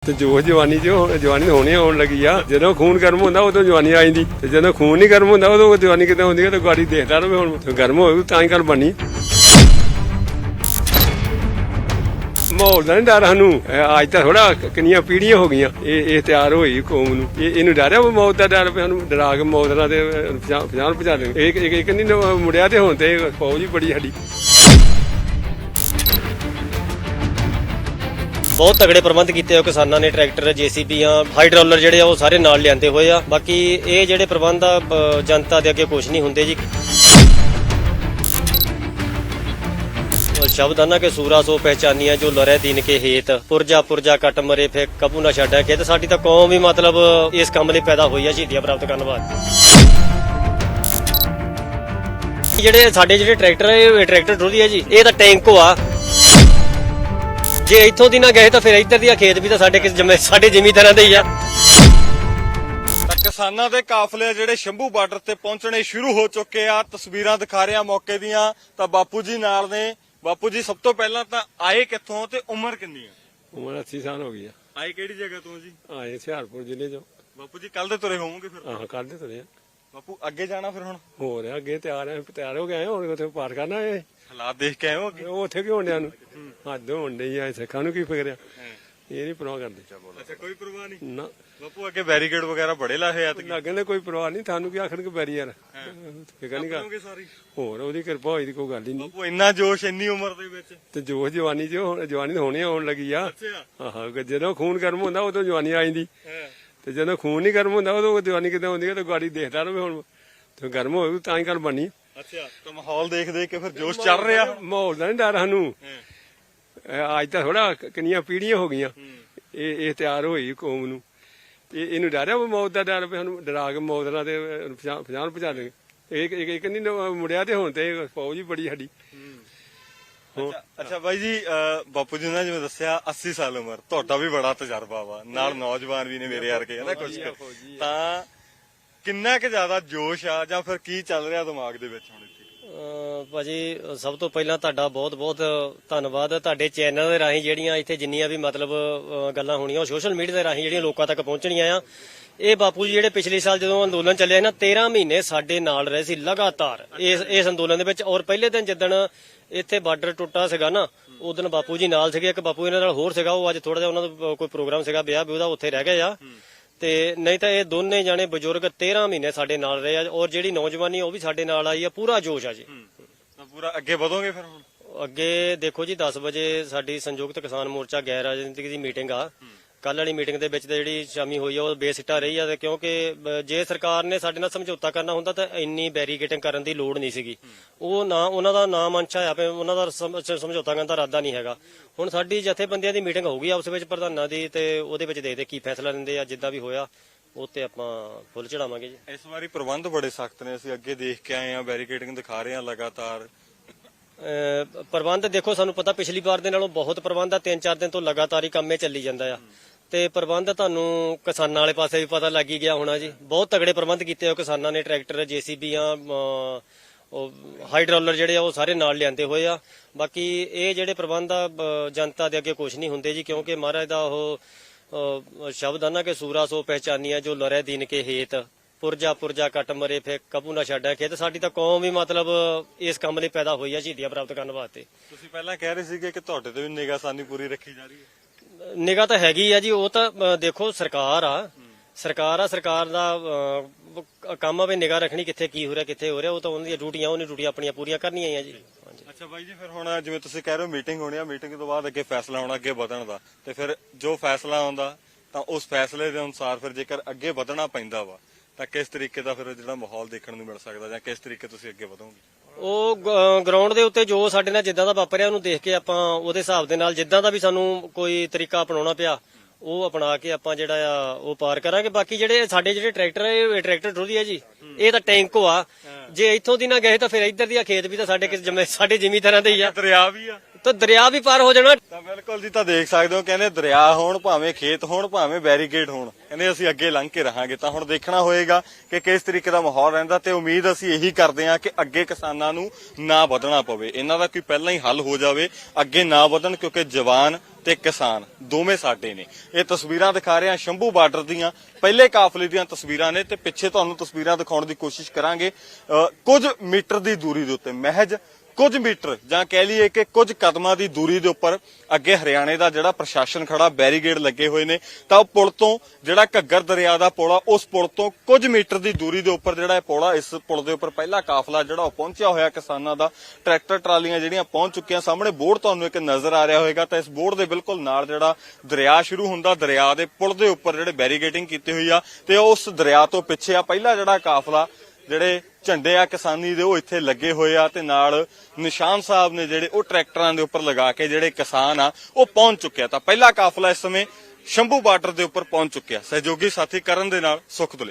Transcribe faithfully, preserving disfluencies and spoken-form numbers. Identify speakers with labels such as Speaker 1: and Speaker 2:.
Speaker 1: ਤੇ ਜੋ ਜਵਾਨੀ ਚ ਜਵਾਨੀ ਹੋਣੀ ਹੋਣ ਲੱਗੀ ਆ। ਜਦੋਂ ਖੂਨ ਗਰਮ ਹੁੰਦਾ ਉਦੋਂ ਜਵਾਨੀ ਆ ਜਾਂਦੀ, ਤੇ ਜਦੋਂ ਖੂਨ ਨਹੀਂ ਗਰਮ ਹੁੰਦਾ ਉਦੋਂ ਜਵਾਨੀ ਕਿੱਦਾਂ ਹੁੰਦੀ ਹੈ। ਤੇ ਗਾੜੀ ਦੇਖਦਾ ਰਹੇ, ਹੁਣ ਗਰਮ ਹੋਊ ਤਾਂ ਹੀ ਗੱਲ ਬਣਨੀ। ਮਾਹੌਲ ਦਾ ਨਹੀਂ ਡਰ ਸਾਨੂੰ, ਅੱਜ ਤਾਂ ਥੋੜਾ ਕਿੰਨੀਆਂ ਪੀੜ੍ਹੀਆਂ ਹੋ ਗਈਆਂ ਇਹ ਇਹ ਤਿਆਰ ਹੋਈ ਕੌਮ ਨੂੰ। ਇਹ ਇਹਨੂੰ ਡਰਿਆ ਮੌਤ ਦਾ ਡਰ ਪਿਆ, ਸਾਨੂੰ ਡਰਾ ਕੇ ਮੌਤ ਨਾਲ ਤੇ ਪਛਾਣ ਪਛਾ ਦੇ। ਇਹ ਇੱਕ ਨਹੀਂ ਮੁੜਿਆ ਤੇ ਹੁਣ ਤੇ ਫੌਜ ਹੀ ਬੜੀ ਸਾਡੀ।
Speaker 2: ਬਹੁਤ ਤਗੜੇ ਪ੍ਰਬੰਧ ਕੀਤੇ ਹੋਏ ਕਿਸਾਨਾਂ ਨੇ, ਟਰੈਕਟਰ, ਜੇਸੀਬੀਆਂ, ਹਾਈਡਰੋਲਰ ਜਿਹੜੇ ਆ ਉਹ ਸਾਰੇ ਨਾਲ ਲਿਆਂਦੇ ਹੋਏ ਆ। ਬਾਕੀ ਇਹ ਜਿਹੜੇ ਪ੍ਰਬੰਧ ਆ ਜਨਤਾ ਦੇ ਅੱਗੇ ਕੁਝ ਨਹੀਂ ਹੁੰਦੇ ਜੀ। ਸ਼ਬਦ ਆਨਾ ਕਿ ਸੂਰਾ ਸੋ ਪਹਿਚਾਨੀਆਂ ਜੋ ਲਰੇ ਦੀਨ ਕੇ ਹੇਤ, ਪੁਰਜਾ ਪੁਰਜਾ ਕੱਟ ਮਰੇ ਫੇ ਕਬੂ ਨਾ ਛੱਡਿਆ ਖੇਤ। ਸਾਡੀ ਤਾਂ ਕੌਮ ਵੀ ਮਤਲਬ ਇਸ ਕੰਮ ਲਈ ਪੈਦਾ ਹੋਈ ਆ, ਸ਼ਹੀਦੀਆਂ ਪ੍ਰਾਪਤ ਕਰਨ ਵਾਸਤੇ। ਜਿਹੜੇ ਸਾਡੇ ਜਿਹੜੇ ਟਰੈਕਟਰ ਇਹ ਟਰੈਕਟਰ ਟਰੋਲੀ ਹੈ ਜੀ, ਇਹ ਤਾਂ ਟੈਂਕੋ ਆ। ਜੇ ਇੱਥੋਂ ਦੀ ਨਾ ਗਏ ਤਾਂ ਫਿਰ ਇੱਧਰ ਦੀਆਂ ਖੇਤ ਵੀ ਤਾਂ ਸਾਡੇ ਕਿਸ ਸਾਡੇ ਜ਼ਿਮੀਂਦਾਰਾਂ ਦੇ ਹੀ ਆ।
Speaker 3: ਤਾਂ ਕਿਸਾਨਾਂ ਦੇ ਕਾਫਲੇ ਜਿਹੜੇ ਸ਼ੰਭੂ ਬਾਰਡਰ ਤੇ ਪਹੁੰਚਣੇ ਸ਼ੁਰੂ ਹੋ ਚੁੱਕੇ ਆ। ਤਸਵੀਰਾਂ ਦਿਖਾ ਰਿਹਾ ਮੌਕੇ ਦੀਆਂ, ਤਾਂ ਬਾਪੂ ਜੀ ਨਾਲ ਨੇ। ਬਾਪੂ ਜੀ, ਸਭ ਤੋਂ ਪਹਿਲਾਂ ਤਾਂ ਆਏ ਕਿੱਥੋਂ ਤੇ ਉਮਰ ਕਿੰਨੀ ਆ?
Speaker 1: ਉਮਰ ਅੱਸੀ ਸਾਲ ਹੋ ਗਈ ਆ।
Speaker 3: ਆਏ ਕਿਹੜੀ ਜਗ੍ਹਾ ਤੋਂ ਜੀ?
Speaker 1: ਆਏ ਹੁਸ਼ਿਆਰਪੁਰ ਜ਼ਿਲ੍ਹੇ ਚੋਂ।
Speaker 3: ਬਾਪੂ ਜੀ ਕੱਲ ਦੇ ਤੁਰੇ ਹੋਵੋਗੇ ਫਿਰ?
Speaker 1: ਆਹ ਕੱਲ ਦੇ ਤੁਰੇ ਆ
Speaker 3: ਬਾਪੂ। ਅੱਗੇ ਜਾਣਾ ਫਿਰ ਹੁਣ?
Speaker 1: ਹੋ ਰਿਹਾ ਅੱਗੇ ਤਿਆਰ ਆ, ਤਿਆਰ ਹੋ ਗਏ ਹੁਣ ਉੱਥੇ ਪਾਰ ਕਰਨਾ। ਇਹ
Speaker 3: ਹਾਲਾਤ ਦੇਖ ਕੇ ਆਏ ਹੋ ਅੱਗੇ?
Speaker 1: ਉਹ ਉੱਥੇ ਕੀ ਹੋਣ ਡਿਆ ਨੂੰ ਹੱਦ ਹੋਣ ਡਈ ਆ। ਸਿੱਖਾਂ ਨੂੰ ਕੀ ਫਿਕਰ ਆ, ਇਹ ਨਹੀਂ ਪਰਵਾਹ ਕਰਦੇ।
Speaker 3: ਅੱਛਾ, ਕੋਈ ਪਰਵਾਹ ਨਹੀਂ
Speaker 1: ਨਾ
Speaker 3: ਬਾਪੂ। ਅੱਗੇ ਬੈਰੀਕੇਡ ਵਗੈਰਾ ਬੜੇ ਲਾਹੇ ਆ।
Speaker 1: ਲੱਗਣ ਦੇ ਕੋਈ ਪਰਵਾਹ ਨਹੀਂ, ਤੁਹਾਨੂੰ ਕੀ ਆਖਣ ਕਿ ਬੈਰੀ ਯਾਰ ਫਿਕਰ ਨਹੀਂ ਕਰ।
Speaker 3: ਸਾਰੀ
Speaker 1: ਹੋਰ ਉਹਦੀ ਕਿਰਪਾ ਹੋਈ ਦੀ ਕੋਈ ਗੱਲ ਹੀ ਨਹੀਂ।
Speaker 3: ਬਾਪੂ ਇੰਨਾ ਜੋਸ਼ ਇੰਨੀ ਉਮਰ ਦੇ ਵਿੱਚ?
Speaker 1: ਤੇ ਜੋ ਜਵਾਨੀ ਚ ਹੁਣ ਜਵਾਨੀ ਹੋਣੀ ਹੋਣ ਲੱਗੀ ਆ।
Speaker 3: ਅੱਛਾ।
Speaker 1: ਆਹੋ, ਜਦੋਂ ਖੂਨ ਗਰਮ ਹੁੰਦਾ ਉਦੋਂ ਜਵਾਨੀ ਆ ਜਾਂਦੀ, ਤੇ ਜਦੋਂ ਖੂਨ ਨਹੀਂ ਗਰਮ ਹੁੰਦਾ ਉਦੋਂ ਜਵਾਨੀ ਕਿੱਦਾਂ ਹੁੰਦੀ ਹੈ। ਤੇ ਗਾੜੀ ਦੇਖਦਾ ਰਹੇ, ਹੁਣ ਤੇ ਗਰਮ ਹੋਊ ਤਾਂ ਹੀ ਗੱਲ ਬਣਨੀ।
Speaker 3: ਅੱਛਾ, ਤਾਂ ਮਾਹੌਲ ਦੇਖ ਦੇਖ ਕੇ ਫਿਰ ਜੋਸ਼ ਚੱਲ ਰਿਹਾ?
Speaker 1: ਮਾਹੌਲ ਦਾ ਨਹੀਂ ਡਰ ਸਾਨੂੰ, ਅੱਜ ਤਾਂ ਥੋੜਾ ਕਿੰਨੀਆਂ ਪੀੜ੍ਹੀਆਂ ਹੋ ਗਈਆਂ ਇਹ ਇਹ ਤਿਆਰ ਹੋਈ ਕੌਮ ਨੂੰ। ਇਹ ਇਹਨੂੰ ਡਰਿਆ ਮੌਤ ਦਾ ਡਰ ਪਿਆ, ਸਾਨੂੰ ਡਰਾ ਕੇ ਮੌਤ ਨਾਲ ਤੇ ਪਛਾਣ ਪਛਾ ਦੇ। ਇਹ ਇੱਕ ਨਹੀਂ ਮੁੜਿਆ ਤੇ ਹੁਣ ਤੇ ਫੌਜ ਹੀ ਬੜੀ ਸਾਡੀ।
Speaker 3: ਅੱਛਾ ਬਾਈ ਜੀ, ਬਾਪੂ ਜੀ ਨੇ ਜਿਵੇਂ ਦੱਸਿਆ ਅੱਸੀ ਸਾਲ ਉਮਰ, ਤੁਹਾਡਾ ਵੀ ਬੜਾ ਤਜਰਬਾ ਵਾ, ਨਾਲ ਨੌਜਵਾਨ ਵੀ ਨੇ ਮੇਰੇ ਵਰਗੇ ਹਨਾ ਕੁਝ। ਤਾਂ ਕਿੰਨਾ ਕੁ ਜ਼ਿਆਦਾ ਜੋਸ਼ ਆ ਜਾਂ ਫਿਰ ਕੀ ਚੱਲ ਰਿਹਾ ਦਿਮਾਗ ਦੇ ਵਿੱਚ ਹੁਣ ਇੱਥੇ?
Speaker 2: ਭਾਜੀ, ਸਭ ਤੋਂ ਪਹਿਲਾਂ ਤੁਹਾਡਾ ਬਹੁਤ ਬਹੁਤ ਧੰਨਵਾਦ। ਤੁਹਾਡੇ ਚੈਨਲ ਦੇ ਰਾਹੀਂ ਜਿਹੜੀਆਂ ਇੱਥੇ ਜਿੰਨੀਆਂ ਵੀ ਮਤਲਬ ਗੱਲਾਂ ਹੋਣੀਆਂ ਉਹ ਸੋਸ਼ਲ ਮੀਡੀਆ ਦੇ ਰਾਹੀਂ ਜਿਹੜੀਆਂ ਲੋਕਾਂ ਤੱਕ ਪਹੁੰਚਣੀਆਂ ਆ। ਇਹ ਬਾਪੂ ਜੀ ਜਿਹੜੇ ਪਿਛਲੇ ਸਾਲ ਜਦੋਂ ਅੰਦੋਲਨ ਚੱਲਿਆ ਨਾ, ਤੇਰਾਂ ਮਹੀਨੇ ਸਾਡੇ ਨਾਲ ਰਹੇ ਸੀ ਲਗਾਤਾਰ ਇਸ ਇਸ ਅੰਦੋਲਨ ਦੇ ਵਿੱਚ। ਔਰ ਪਹਿਲੇ ਦਿਨ ਜਿੱਦਣ ਇੱਥੇ ਬਾਰਡਰ ਟੁੱਟਾ ਸੀਗਾ ਨਾ, ਉਦੋਂ ਬਾਪੂ ਜੀ ਨਾਲ ਸੀਗੇ। ਇੱਕ ਬਾਪੂ ਇਹਨਾਂ ਨਾਲ ਹੋਰ ਸੀਗਾ, ਉਹ ਅੱਜ ਥੋੜਾ ਜਿਹਾ ਉਹਨਾਂ ਦਾ ਕੋਈ ਪ੍ਰੋਗਰਾਮ ਸੀਗਾ ਵਿਆਹ ਵੀ ਉਹਦਾ, ਉੱਥੇ ਰਹਿ ਗਏ ਆ। ਤੇ ਨਹੀਂ ਤਾਂ ਇਹ ਦੋਨੇ ਜਾਣੇ ਬਜ਼ੁਰਗ ਤੇਰਾਂ ਮਹੀਨੇ ਸਾਡੇ ਨਾਲ ਰਹੇ ਆ। ਔਰ ਜਿਹੜੀ ਨੌਜਵਾਨੀ ਉਹ ਵੀ ਸਾਡੇ ਨਾਲ ਆਈ ਆ, ਪੂਰਾ ਜੋਸ਼ ਆ ਜੀ।
Speaker 3: ਤਾਂ ਪੂਰਾ ਅੱਗੇ ਵਧੋਗੇ ਫਿਰ ਹੁਣ?
Speaker 2: ਅੱਗੇ ਦੇਖੋ ਜੀ, ਦਸ ਵਜੇ ਸਾਡੀ ਸੰਯੁਕਤ ਕਿਸਾਨ ਮੋਰਚਾ ਗੈਰ ਰਾਜਨੀਤਿਕ ਦੀ ਮੀਟਿੰਗ ਆ। ਕੱਲ ਵਾਲੀ ਮੀਟਿੰਗ ਦੇ ਵਿੱਚ ਜਿਹੜੀ ਸ਼ਾਮੀ ਹੋਈ ਆ ਉਹ ਬੇਸਿੱਟਾ ਰਹੀ ਆ, ਕਿਉਂਕਿ ਜੇ ਸਰਕਾਰ ਨੇ ਸਾਡੇ ਨਾਲ ਸਮਝੌਤਾ ਕਰਨਾ ਹੁੰਦਾ ਤਾਂ ਇੰਨੀ ਬੈਰੀਕੇਟਿੰਗ ਕਰਨ ਦੀ ਲੋੜ ਨਹੀਂ ਸੀਗੀ। ਉਹ ਨਾ ਉਹਨਾਂ ਦਾ ਨਾਮ ਅੰਸ਼ਾ ਆ, ਉਹਨਾਂ ਦਾ ਸਮਝੌਤਾ ਕਰਨ ਦਾ ਇਰਾਦਾ ਨਹੀਂ ਹੈਗਾ। ਹੁਣ ਸਾਡੀ ਜਥੇਬੰਦੀਆਂ ਦੀ ਮੀਟਿੰਗ ਹੋਊਗੀ ਆਪਸ ਵਿੱਚ ਪ੍ਰਧਾਨਾਂ ਦੀ, ਤੇ ਉਹਦੇ ਵਿੱਚ ਦੇਖਦੇ ਕੀ ਫੈਸਲਾ ਲੈਂਦੇ ਆ। ਜਿੱਦਾਂ ਵੀ ਹੋਇਆ ਉਹ ਤੇ ਆਪਾਂ ਫੁੱਲ ਚੜਾਵਾਂਗੇ ਜੀ।
Speaker 3: ਇਸ ਵਾਰੀ ਪ੍ਰਬੰਧ ਬੜੇ ਸਖਤ ਨੇ, ਅਸੀਂ ਅੱਗੇ ਦੇਖ ਕੇ ਆਏ ਆ, ਬੈਰੀਕੇਡਿੰਗ ਦਿਖਾ ਰਹੇ ਆ ਲਗਾਤਾਰ।
Speaker 2: ਪ੍ਰਬੰਧ ਦੇਖੋ, ਸਾਨੂੰ ਪਤਾ ਪਿਛਲੀ ਵਾਰ ਦੇ ਨਾਲੋਂ ਬਹੁਤ ਪ੍ਰਬੰਧ ਆ। ਤਿੰਨ ਚਾਰ ਦਿਨ ਤੋਂ ਲਗਾਤਾਰ ਹੀ ਕੰਮੇ ਚੱਲੀ ਜਾਂਦਾ ਆ। ਤੇ ਪ੍ਰਬੰਧ ਤੁਹਾਨੂੰ ਕਿਸਾਨਾਂ ਵਾਲੇ ਪਾਸੇ ਵੀ ਪਤਾ ਲੱਗ ਹੀ ਗਿਆ ਹੋਣਾ ਜੀ। ਬਹੁਤ ਤਗੜੇ ਪ੍ਰਬੰਧ ਕੀਤੇ ਹੋਏ ਕਿਸਾਨਾਂ ਨੇ, ਟਰੈਕਟਰ, ਜੇਸੀਬੀਆਂ, ਉਹ ਹਾਈਡਰੋਲਰ ਜਿਹੜੇ ਆ ਉਹ ਸਾਰੇ ਨਾਲ ਲਿਆਂਦੇ ਹੋਏ ਆ। ਬਾਕੀ ਇਹ ਜਿਹੜੇ ਪ੍ਰਬੰਧ ਆ ਜਨਤਾ ਦੇ ਅੱਗੇ ਕੁਝ ਨਹੀਂ ਹੁੰਦੇ ਜੀ, ਕਿਉਂਕਿ ਮਹਾਰਾਜ ਦਾ ਉਹ ਸ਼ਬਦ ਆਨਾ ਕਿ ਸੂਰਾ ਸੋ ਪਹਿਚਾਨੀਆਂ ਜੋ ਲਰੇ ਦੀਨ ਕੇ ਹੇਤ, ਪੁਰਜਾ ਪੁਰਜਾ ਕੱਟ ਮਰੇ ਫੇ ਕਬੂ ਨਾ ਛੱਡਿਆ ਖੇਤ। ਸਾਡੀ ਤਾਂ ਕੌਮ ਵੀ ਮਤਲਬ ਇਸ ਕੰਮ ਲਈ ਪੈਦਾ ਹੋਈ ਆ, ਸ਼ਹੀਦੀਆਂ ਪ੍ਰਾਪਤ ਕਰਨ ਵਾਸਤੇ।
Speaker 3: ਤੁਸੀਂ ਪਹਿਲਾਂ ਕਹਿ ਰਹੇ ਸੀਗੇ ਕਿ ਤੁਹਾਡੇ ਤੇ ਵੀ ਨਿਗਾਹਸਾਨੀ ਪੂਰੀ ਰੱਖੀ ਜਾ ਰਹੀ ਹੈ?
Speaker 2: ਨਿਗਾਹ ਤਾਂ ਹੈਗੀ ਆ ਜੀ। ਉਹ ਤਾਂ ਦੇਖੋ ਸਰਕਾਰ ਆ, ਸਰਕਾਰ ਆ ਸਰਕਾਰ ਦਾ ਕੰਮ ਆ ਵੀ ਨਿਗਾਹ ਰੱਖਣੀ ਕਿੱਥੇ ਕੀ ਹੋ ਰਿਹਾ ਕਿੱਥੇ ਹੋ ਰਿਹਾ। ਉਹ ਤਾਂ ਉਹਨਾਂ ਦੀਆਂ ਡਿਊਟੀਆਂ, ਉਹਨੇ ਡਿਊਟੀਆਂ ਆਪਣੀਆਂ ਪੂਰੀਆਂ ਕਰਨੀਆਂ ਆ ਜੀ।
Speaker 3: ਅੱਛਾ ਬਾਈ ਜੀ, ਫਿਰ ਹੁਣ ਜਿਵੇਂ ਤੁਸੀਂ ਕਹਿ ਰਹੇ ਹੋ ਮੀਟਿੰਗ ਹੋਣੀ ਆ, ਮੀਟਿੰਗ ਤੋਂ ਬਾਅਦ ਅੱਗੇ ਫੈਸਲਾ ਹੋਣਾ ਅੱਗੇ ਵਧਣ ਦਾ, ਤੇ ਫਿਰ ਜੋ ਫੈਸਲਾ ਆਉਂਦਾ ਤਾਂ ਉਸ ਫੈਸਲੇ ਦੇ ਅਨੁਸਾਰ ਫਿਰ ਜੇਕਰ ਅੱਗੇ ਵਧਣਾ ਪੈਂਦਾ ਵਾ ਤਾਂ ਕਿਸ ਤਰੀਕੇ ਦਾ ਫਿਰ ਜਿਹੜਾ ਮਾਹੌਲ ਦੇਖਣ ਨੂੰ ਮਿਲ ਸਕਦਾ, ਜਾਂ ਕਿਸ ਤਰੀਕੇ ਤੁਸੀਂ ਅੱਗੇ ਵਧੋਗੇ?
Speaker 2: ਉਹ ਗਰਾਊਂਡ ਦੇ ਉੱਤੇ ਜੋ ਸਾਡੇ ਨਾਲ ਜਿੱਦਾਂ ਦਾ ਵਾਪਰਿਆ ਉਹਨੂੰ ਦੇਖ ਕੇ ਆਪਾਂ ਉਹਦੇ ਹਿਸਾਬ ਦੇ ਨਾਲ ਜਿੱਦਾਂ ਦਾ ਵੀ ਸਾਨੂੰ ਕੋਈ ਤਰੀਕਾ ਅਪਣਾਉਣਾ ਪਿਆ ਉਹ ਅਪਣਾ ਕੇ ਆਪਾਂ ਜਿਹੜਾ ਆ ਉਹ ਪਾਰ ਕਰਾਂਗੇ। ਬਾਕੀ ਜਿਹੜੇ ਸਾਡੇ ਜਿਹੜੇ ਟਰੈਕਟਰ ਇਹ ਟਰੈਕਟਰ ਟਰੋਲੀ ਹੈ ਜੀ, ਇਹ ਤਾਂ ਟੈਂਕੋ ਆ। ਜੇ ਇੱਥੋਂ ਦੀ ਨਾ ਗਏ ਤਾਂ ਫਿਰ ਇੱਧਰ ਦੀਆਂ ਖੇਤ ਵੀ ਤਾਂ ਸਾਡੇ ਸਾਡੇ ਜ਼ਿਮੀਂਦਾਰਾਂ ਦੇ ਹੀ ਆ।
Speaker 3: ਦਰਿਆ ਵੀ ਆ?
Speaker 2: ਤਾਂ ਦਰਿਆ ਵੀ ਪਾਰ ਹੋ ਜਾਣਾ।
Speaker 3: ਤਾਂ ਬਿਲਕੁਲ ਜੀ, ਤਾਂ ਦੇਖ ਸਕਦੇ ਹੋ ਕਹਿੰਦੇ ਦਰਿਆ ਹੋਣ ਭਾਵੇਂ ਖੇਤ ਹੋਣ ਭਾਵੇਂ ਬੈਰੀਕੇਡ ਹੋਣ, ਕਹਿੰਦੇ ਅਸੀਂ ਅੱਗੇ ਲੰਘ ਕੇ ਰਹਾਂਗੇ। ਤਾਂ ਹੁਣ ਦੇਖਣਾ ਹੋਏਗਾ ਕਿ ਕਿਸ ਤਰੀਕੇ ਦਾ ਮਾਹੌਲ ਰਹਿੰਦਾ ਤੇ ਉਮੀਦ ਅਸੀਂ ਇਹੀ ਕਰਦੇ ਹਾਂ ਕਿ ਅੱਗੇ ਕਿਸਾਨਾਂ ਨੂੰ ਨਾ ਵਧਣਾ ਪਵੇ, ਇਹਨਾਂ ਦਾ ਕੋਈ ਪਹਿਲਾਂ ਹੀ ਹੱਲ ਹੋ ਜਾਵੇ, ਅੱਗੇ ਨਾ ਵਧਣ, ਕਿਉਂਕਿ ਜਵਾਨ ਤੇ ਕਿਸਾਨ ਦੋਵੇਂ ਸਾਡੇ ਨੇ। ਇਹ ਤਸਵੀਰਾਂ ਦਿਖਾ ਰਹੇ ਹਾਂ ਸ਼ੰਭੂ ਬਾਰਡਰ ਦੀਆਂ ਪਹਿਲੇ ਕਾਫਲੇ ਦੀਆਂ ਤਸਵੀਰਾਂ ਨੇ ਤੇ ਪਿੱਛੇ ਤੁਹਾਨੂੰ ਤਸਵੀਰਾਂ ਦਿਖਾਉਣ ਦੀ ਕੋਸ਼ਿਸ਼ ਕਰਾਂਗੇ। ਅਹ ਕੁਝ ਮੀਟਰ ਦੀ ਦੂਰੀ ਦੇ ਉੱਤੇ, ਮਹਿਜ ਕੁਝ ਮੀਟਰ ਜਾਂ ਕਹਿ ਲਈਏ ਕਿ ਕੁਝ ਕਦਮਾਂ ਦੀ ਦੂਰੀ ਦੇ ਉੱਪਰ ਅੱਗੇ ਹਰਿਆਣੇ ਦਾ ਜਿਹੜਾ ਪ੍ਰਸ਼ਾਸਨ ਖੜਾ, ਬੈਰੀਗੇਡ ਲੱਗੇ ਹੋਏ ਨੇ। ਤਾਂ ਉਹ ਪੁਲ ਤੋਂ ਜਿਹੜਾ ਘੱਗਰ ਦਰਿਆ ਦਾ ਪੁਲ ਆ, ਉਸ ਪੁਲ ਤੋਂ ਕੁਝ ਮੀਟਰ ਦੀ ਦੂਰੀ ਦੇ ਉੱਪਰ ਜਿਹੜਾ ਇਹ ਪੁਲ ਆ, ਇਸ ਪੁਲ ਦੇ ਉੱਪਰ ਪਹਿਲਾ ਕਾਫਲਾ ਜਿਹੜਾ ਉਹ ਪਹੁੰਚਿਆ ਹੋਇਆ ਕਿਸਾਨਾਂ ਦਾ। ਟਰੈਕਟਰ ਟਰਾਲੀਆਂ ਜਿਹੜੀਆਂ ਪਹੁੰਚ ਚੁੱਕੀਆਂ, ਸਾਹਮਣੇ ਬੋਰਡ ਤੁਹਾਨੂੰ ਇੱਕ ਨਜ਼ਰ ਆ ਰਿਹਾ ਹੋਵੇਗਾ। ਤਾਂ ਇਸ ਬੋਰਡ ਦੇ ਬਿਲਕੁਲ ਨਾਲ ਜਿਹੜਾ ਦਰਿਆ ਸ਼ੁਰੂ ਹੁੰਦਾ, ਦਰਿਆ ਦੇ ਪੁਲ ਦੇ ਉੱਪਰ ਜਿਹੜੇ ਬੈਰੀਗੇਟਿੰਗ ਕੀਤੀ ਹੋਈ ਆ ਤੇ ਉਸ ਦਰਿਆ ਤੋਂ ਪਿੱਛੇ ਆ ਪਹਿਲਾ ਜਿਹੜਾ ਕਾਫਲਾ, ਜਿਹੜੇ ਝੰਡੇ ਆ ਕਿਸਾਨੀ ਦੇ ਉਹ ਇੱਥੇ ਲੱਗੇ ਹੋਏ ਆ ਤੇ ਨਾਲ ਨਿਸ਼ਾਨ ਸਾਹਿਬ ਨੇ ਜਿਹੜੇ ਉਹ ਟਰੈਕਟਰਾਂ ਦੇ ਉੱਪਰ ਲਗਾ ਕੇ ਜਿਹੜੇ ਕਿਸਾਨ ਆ ਉਹ ਪਹੁੰਚ ਚੁੱਕਿਆ। ਤਾਂ ਪਹਿਲਾ ਕਾਫਲਾ ਇਸ ਸਮੇਂ ਸ਼ੰਭੂ ਬਾਰਡਰ ਦੇ ਉੱਪਰ ਪਹੁੰਚ ਚੁੱਕਿਆ। ਸਹਿਯੋਗੀ ਸਾਥੀ ਕਰਨ ਦੇ ਨਾਲ ਸੁਖਦੁਲੇ।